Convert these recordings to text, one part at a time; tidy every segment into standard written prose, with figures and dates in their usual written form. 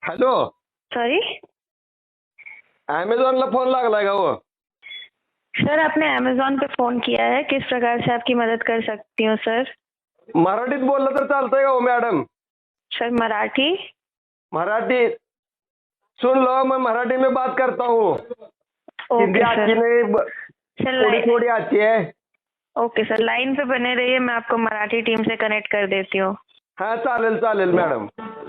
Hello, sorry अमेझॉनला phone लागलाय का हो? सर, आपने अमेज़ॉन पे फ़ोन किया है, किस प्रकार से आपकी मदद कर सकती हूँ सर? मराठीत बोललं तर चालतंय का हो मॅडम? सर मराठी? मराठी सुन लो, मैं मराठी में बात करता हूँ। हिंदी ओके आती सर। नहीं, सर थोड़ी थोड़ी आती है। ओके सर, लाइन पे बने रहिए, मैं आपको मराठी टीम से कनेक्ट कर देती हूँ। हाँ चालेल चालेल मॅडम।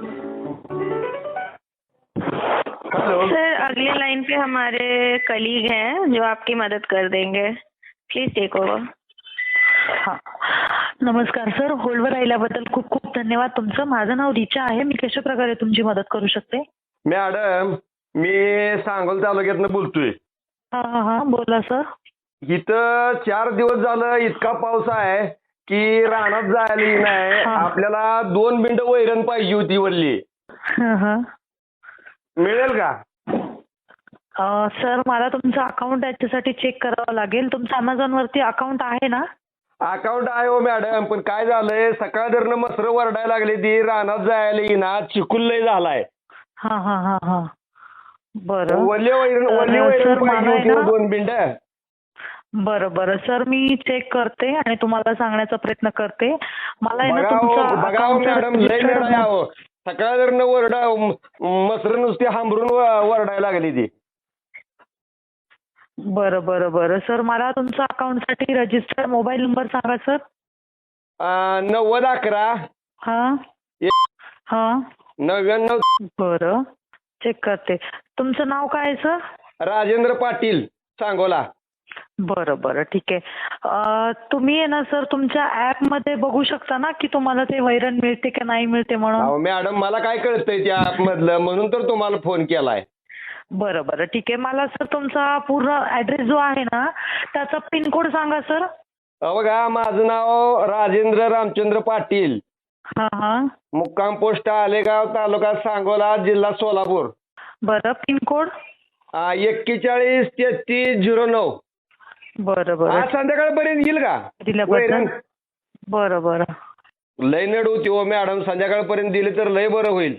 हेलो, सर, अगले लाइन पे हमारे कलीग हैं जो आपकी मदद कर देंगे। Please take over. हा. नमस्कार सर, होल्डवर राहिल्याबद्दल खूप खूप धन्यवाद तुमचं. माझं नाव रिचा आहे. मी कशा प्रकारे तुमची मदत करू शकते? मॅडम मी सांगोल तालुक्यातनं बोलतोय. हा हा हा, बोला सर. इथं 4 दिवस झालं इतका पाऊस आहे की रानात जायला नाही. हा. आपल्याला 2 बिंड वैरण पाहिजे होती वल्ली, हा हा. मिळेल का? सर, मला तुमचं अकाउंट याच्यासाठी चेक करावं लागेल. तुमचं अमेझॉन वरती अकाउंट आहे ना? अकाउंट आहे हो मॅडम, पण काय झालंय सकाळ धरणं मसरं वरडायला लागली ती, रानात जायला येईना, चिखल लय झालाय. हा हा हा हा. बरं. वल्ली वैरण सर, पाहिजे मला आहे होती हो, ना. 2 बिंड. बरं बरं सर, मी चेक करते आणि तुम्हाला सांगण्याचा प्रयत्न करते. मला आहे ना बघा तुमचं हो अकाउंट मॅडम, लय मेड आहे अहो. सकाळ धरणं मसरं नुसती हांबरून वरडायला लागली ती. बरं बरं बरं सर, मला तुमचा अकाउंटसाठी रजिस्टर्ड मोबाईल नंबर सांगा सर. 9011 हा हा. 99. बरं, चेक करते. तुमचं नाव काय आहे सर? राजेंद्र पाटील, सांगोला. बरं बरं, ठीक आहे. तुम्ही आहे ना सर, तुमच्या ॲपमध्ये बघू शकता ना की तुम्हाला ते वैरण मिळते की नाही मिळते म्हणून? अहो मॅडम, मला काय कळतंय त्या ऍप मधलं, म्हणून तर तुम्हाला फोन केलाय. बरं बरं, ठीक आहे. मला सर तुमचा पूर्ण ॲड्रेस जो आहे ना त्याचा पिनकोड सांगा सर. बघा, माझं नाव राजेंद्र रामचंद्र पाटील, हा हा. मुक्काम पोस्ट आलेगाव, तालुका सांगोला, जिल्हा सोलापूर. बरं, पिनकोड? 413309. बरं बरं, आज संध्याकाळपर्यंत येईल का दिल्याबद्दल वैरण? बरं बरं. लय नड होती हो मॅडम, संध्याकाळपर्यंत दिली तर लय बरं होईल.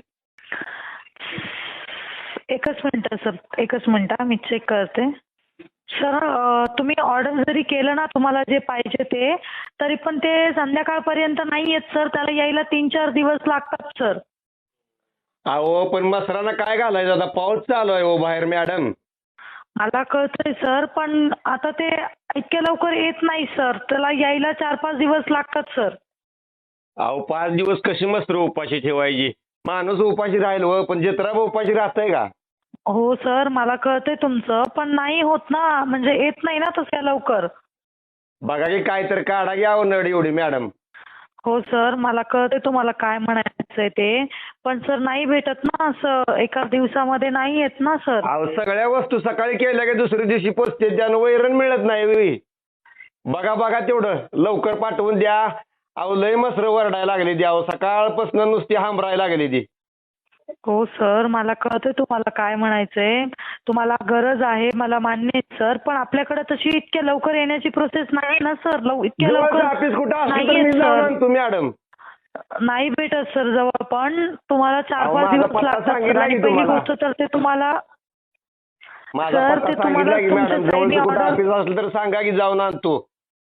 एकच मिनिट सर, एकच मिनिट, मी चेक करते. सर, तुम्ही ऑर्डर जरी केलं ना तुम्हाला जे पाहिजे ते, तरी पण ते संध्याकाळपर्यंत नाही येत सर. त्याला यायला 3-4 दिवस लागतात सर. अहो पण मसरानं काय घालायचं आता, पाऊस चालू आहे हो बाहेर मॅडम. मला कळतंय सर, पण आता ते इतक्या लवकर येत नाही सर. त्याला यायला 4-5 दिवस लागतात सर. अहो 5 दिवस कशी मसर उपाशी ठेवायची? माणूस उपाशी राहील हो, पण जत्रा उपाशी राहतंय का? हो सर, मला कळतंय तुमचं, पण नाही होत ना, म्हणजे येत नाही ना तसं लवकर. बघा की काय तर काढा घ्या हो नड एवढी मॅडम. हो सर, मला कळतंय तुम्हाला काय म्हणायचंय ते, पण सर नाही भेटत ना असं एका दिवसामध्ये, नाही येत ना सर. अहो सगळ्या वस्तू सकाळी केल्या की दुसऱ्या दिवशी पोचते, त्यानं वैरण मिळत नाही. बघा बघा तेवढं लवकर पाठवून द्या. अहो लय मसरं वरडायला लागली ती, अहो सकाळपासून नुसती हांबरायला लागली ती. हो सर, मला कळतंय तुम्हाला काय म्हणायचंय. तुम्हाला गरज आहे, मला मान्य आहे सर, पण आपल्याकडे तशी इतक्या लवकर येण्याची प्रोसेस नाही ना सर. इतक्या लवकर ऑफिस कुठं असलं नाही तर मी येत जाऊन सर. आणतो मॅडम. नाही भेटत सर जवळ, पण तुम्हाला अहो, 4-5 माझा दिवस पत्ता लागतात सर. सांगितला आणि की पहिली तुम्हाला. गोष्ट तर ते तुम्हाला माझा सर, पत्ता ते तुम्हाला सांगितला की मॅडम, तुमच्यासाठी जवळचं कुठं ऑर्डर. ऑफिस असलं तर सांगा की जाऊन आणतो.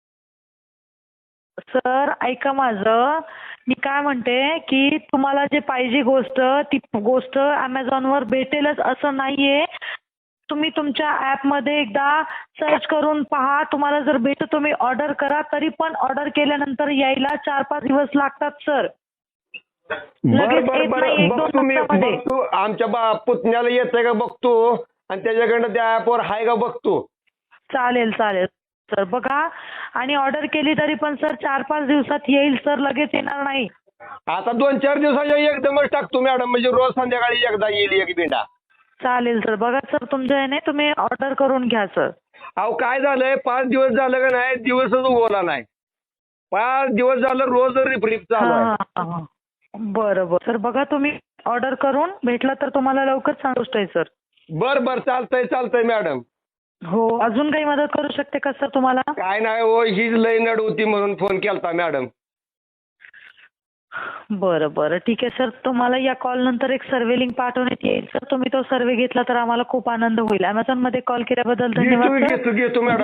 सर ऐका माझं, मी काय म्हणते की तुम्हाला जे पाहिजे गोष्ट, ती गोष्ट अमेझॉनवर भेटेलच असं नाहीये. तुम्ही तुमच्या ॲपमध्ये एकदा सर्च करून पहा. तुम्हाला जर भेटत तुम्ही ऑर्डर करा. तरी पण ऑर्डर केल्यानंतर यायला 4-5 दिवस लागतात सर. लगेच बर येत बर नाही, 1-2 बघतो मी, तासामध्ये. बघतो आमच्या पुतण्याला येतंय का बघतो, आणि त्याच्याकडनं त्या ऍपवर हाय का बघतो. चालेल चालेल सर, बघा. आणि ऑर्डर केली तरी पण सर 4-5 दिवसात येईल सर, लगेच येणार नाही. आता 2-4 दिवसाच्या एकदमच टाकतो मॅडम, म्हणजे रोज संध्याकाळी एकदा येईल एक बिंडा. चालेल सर, बघा सर, तुमच्या ह्याने तुम्ही ऑर्डर करून घ्या सर. अहो काय झालंय, 5 दिवस झालं का नाही, दिवसच उगवला नाही. 5 दिवस झालं रोज रिपरिप चालू आहे. हा. बरं बरं सर, बघा तुम्ही ऑर्डर करून भेटला तर तुम्हाला लवकर सांगूच आहे सर. बर चालतंय मॅडम. हो, अजून काही मदत करू शकते का सर तुम्हाला? काय नाही हो, हीच लय नड होती म्हणून फोन केलता मॅडम. बरं बरं ठीक आहे सर. तुम्हाला या कॉल नंतर एक सर्वे लिंक पाठवण्यात येईल सर. तुम्ही तो सर्वे घेतला तर आम्हाला खूप आनंद होईल. Amazon मध्ये कॉल केल्याबद्दल धन्यवाद सर. घेतो मॅडम.